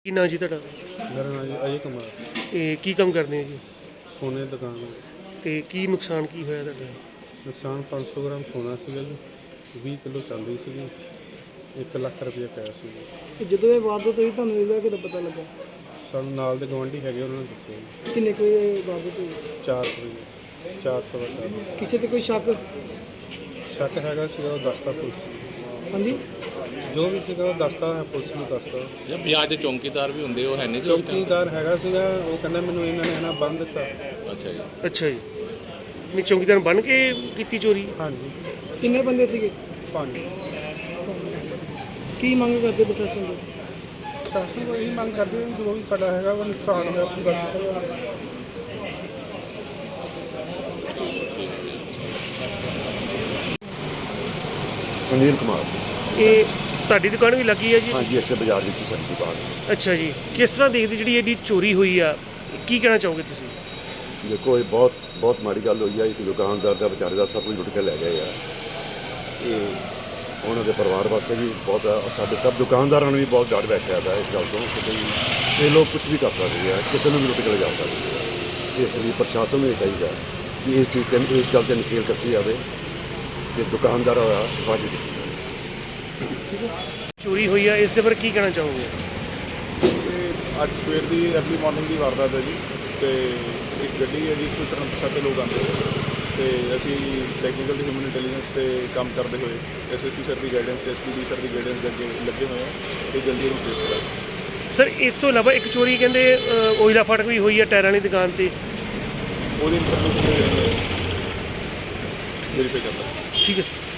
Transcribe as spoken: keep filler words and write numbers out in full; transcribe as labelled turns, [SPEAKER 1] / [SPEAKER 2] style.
[SPEAKER 1] ਕੀ ਨਾਂ ਜੀ ਤੁਹਾਡਾ?
[SPEAKER 2] ਮੇਰਾ ਨਾਮ ਜੀ ਅਜੇ ਕੁਮਾਰ।
[SPEAKER 1] ਤੇ ਕੀ ਕੰਮ ਕਰਦੇ ਹੋ ਜੀ?
[SPEAKER 2] ਸੋਨੇ ਦੀ ਦੁਕਾਨ ਹੈ।
[SPEAKER 1] ਤੇ ਕੀ ਨੁਕਸਾਨ ਕੀ ਹੋਇਆ ਤੁਹਾਡਾ?
[SPEAKER 2] ਨੁਕਸਾਨ ਪੰਜ ਸੌ ਗ੍ਰਾਮ ਸੋਨਾ ਸੀਗਾ ਜੀ, ਵੀਹ ਕਿਲੋ ਚਾਂਦੀ ਸੀਗੀ, ਇੱਕ ਲੱਖ ਰੁਪਏ ਕੈਸ਼ ਸੀ ਜੀ।
[SPEAKER 3] ਜਦੋਂ ਇਹ ਵਾਰਦਾਤ ਹੋਈ ਤੁਹਾਨੂੰ ਇਹਦਾ ਕਿਹਦਾ ਪਤਾ ਲੱਗਾ?
[SPEAKER 2] ਸਾਨੂੰ ਨਾਲ ਦੇ ਗੁਆਂਢੀ ਹੈਗੇ, ਉਹਨਾਂ ਨੇ ਦੱਸਿਆ ਜੀ।
[SPEAKER 3] ਕਿੰਨੇ ਕੋਈ ਵਾਰਦਾਤ ਹੋਈ?
[SPEAKER 2] ਚਾਰ ਰੁਪਏ ਚਾਰ ਸਵਾ ਚਾਰ।
[SPEAKER 3] ਕਿਸੇ ਤੇ ਕੋਈ ਸ਼ੱਕ?
[SPEAKER 2] ਸ਼ੱਕ ਹੈਗਾ ਸੀਗਾ, ਉਹ ਦੱਸਦਾ ਪੁਲਿਸ।
[SPEAKER 3] ਹਾਂਜੀ,
[SPEAKER 2] ਜੋ ਵੀ ਸੀਗਾ ਉਹ ਦੱਸਦਾ ਹੈ, ਪੁਲਿਸ ਨੂੰ ਦੱਸਦਾ।
[SPEAKER 4] ਜਾਂ ਵਿਆਹ ਦੇ ਚੌਂਕੀਦਾਰ ਵੀ ਹੁੰਦੇ, ਉਹ ਹੈ ਨਹੀਂ ਸੀ ਉਸ time?
[SPEAKER 2] ਚੌਕੀਦਾਰ ਹੈਗਾ ਸੀਗਾ, ਉਹ ਕਹਿੰਦਾ ਮੈਨੂੰ ਇਹਨਾਂ ਨੇ ਹਨਾ ਬੰਦ ਦਿੱਤਾ।
[SPEAKER 4] ਅੱਛਾ ਜੀ।
[SPEAKER 1] ਅੱਛਾ ਜੀ, ਨਹੀਂ ਚੌਂਕੀਦਾਰ ਬਣ ਕੇ ਕੀਤੀ ਚੋਰੀ?
[SPEAKER 2] ਹਾਂਜੀ,
[SPEAKER 3] ਕਿੰਨੇ ਬੰਦੇ ਸੀਗੇ?
[SPEAKER 2] ਪੰਜ।
[SPEAKER 3] ਕੀ ਮੰਗ ਕਰਦੇ ਪ੍ਰਸ਼ਾਸਨ ਤੋਂ?
[SPEAKER 2] ਸ਼ਾਸਨ ਤੋਂ ਇਹੀ ਮੰਗ ਕਰਦੇ ਹਾਂ, ਜੋ ਵੀ ਸਾਡਾ ਹੈਗਾ ਉਹ ਨੁਕਸਾਨ ਹੋਇਆ ਪੂਰਾ।
[SPEAKER 5] ਸੁਨੀਲ ਕੁਮਾਰ।
[SPEAKER 1] ਇਹ ਤੁਹਾਡੀ ਦੁਕਾਨ ਵੀ ਲੱਗੀ ਹੈ ਜੀ?
[SPEAKER 5] ਹਾਂਜੀ, ਇਸੇ ਬਾਜ਼ਾਰ ਵਿੱਚ ਹੀ ਸਾਡੀ ਦੁਕਾਨ ਹੈ।
[SPEAKER 1] ਅੱਛਾ ਜੀ, ਕਿਸ ਤਰ੍ਹਾਂ ਦੇਖਦੇ ਜਿਹੜੀ ਇਹਦੀ ਚੋਰੀ ਹੋਈ ਆ, ਕੀ ਕਹਿਣਾ ਚਾਹੋਗੇ ਤੁਸੀਂ?
[SPEAKER 5] ਦੇਖੋ, ਇਹ ਬਹੁਤ ਬਹੁਤ ਮਾੜੀ ਗੱਲ ਹੋਈ ਹੈ। ਇੱਕ ਦੁਕਾਨਦਾਰ ਦਾ ਵਿਚਾਰੇ ਦਾ ਸਭ ਕੁਝ ਲੁੱਟ ਕੇ ਲੈ ਗਏ ਆ। ਇਹ ਉਹਨਾਂ ਦੇ ਪਰਿਵਾਰ ਵਾਸਤੇ ਵੀ ਬਹੁਤ ਆ, ਸਾਡੇ ਸਭ ਦੁਕਾਨਦਾਰਾਂ ਨੂੰ ਵੀ ਬਹੁਤ ਡਰ ਬੈਠਿਆ ਦਾ ਇਸ ਗੱਲ ਤੋਂ ਕਿ ਬਈ ਇਹ ਲੋਕ ਕੁਝ ਵੀ ਕਰ ਸਕਦੇ ਆ, ਕਿਸੇ ਨੂੰ ਵੀ ਲੁੱਟ ਕੇ ਲਿਜਾ ਸਕਦੇ ਆ। ਇਸ ਲਈ ਪ੍ਰਸ਼ਾਸਨ ਨੂੰ ਇਹ ਚਾਹੀਦਾ ਕਿ ਇਸ ਚੀਜ਼ 'ਤੇ ਇਸ ਗੱਲ 'ਤੇ ਨਕੇਲ ਕੱਸੀ ਜਾਵੇ ਕਿ ਦੁਕਾਨਦਾਰ ਹੋਇਆ ਵਾਜਬ।
[SPEAKER 1] ਚੋਰੀ ਹੋਈ ਆ, ਇਸ ਦੇ ਬਾਰੇ ਕੀ ਕਹਿਣਾ ਚਾਹੋਗੇ?
[SPEAKER 6] ਅੱਜ ਸਵੇਰ ਦੀ ਅਰਲੀ ਮਾਰਨਿੰਗ ਦੀ ਵਾਰਦਾਤ ਹੈ ਜੀ, ਤੇ ਇੱਕ ਗੱਡੀ ਹੈ ਜਿਸ ਤੋਂ ਅਣਪਛਾਤੇ ਲੋਕ ਆਉਂਦੇ ਹੋਏ, ਤੇ ਅਸੀਂ ਟੈਕਨੀਕਲ ਤੇ ਹਿਊਮਨ ਇੰਟੈਲੀਜੈਂਸ 'ਤੇ ਕੰਮ ਕਰਦੇ ਹੋਏ ਐਸ ਐਸ ਪੀ ਸਰ ਦੀ ਗਾਈਡੈਂਸ ਤੇ ਐਸ ਪੀ ਡੀ ਸਰ ਦੀ ਗਾਈਡੈਂਸ ਦੇ ਅੱਗੇ ਲੱਗੇ ਹੋਏ ਹਾਂ, ਤੇ ਜਲਦੀ ਇਹਨੂੰ ਟ੍ਰੇਸ ਕਰਾਂਗੇ।
[SPEAKER 1] ਸਰ, ਇਸ ਤੋਂ ਇਲਾਵਾ ਇੱਕ ਚੋਰੀ ਕਹਿੰਦੇ ਅ, ਓਇਲਾ ਫਾਟਕ ਵੀ ਹੋਈ ਆ ਟਾਇਰਾਂ ਵਾਲੀ ਦੁਕਾਨ 'ਤੇ,
[SPEAKER 6] ਉਹਦੀ ਇਨਫੋਰਮੇਸ਼ਨ ਵੈਰੀਫਾਈ ਕਰਦਾ।
[SPEAKER 1] ਠੀਕ ਹੈ ਸਰ।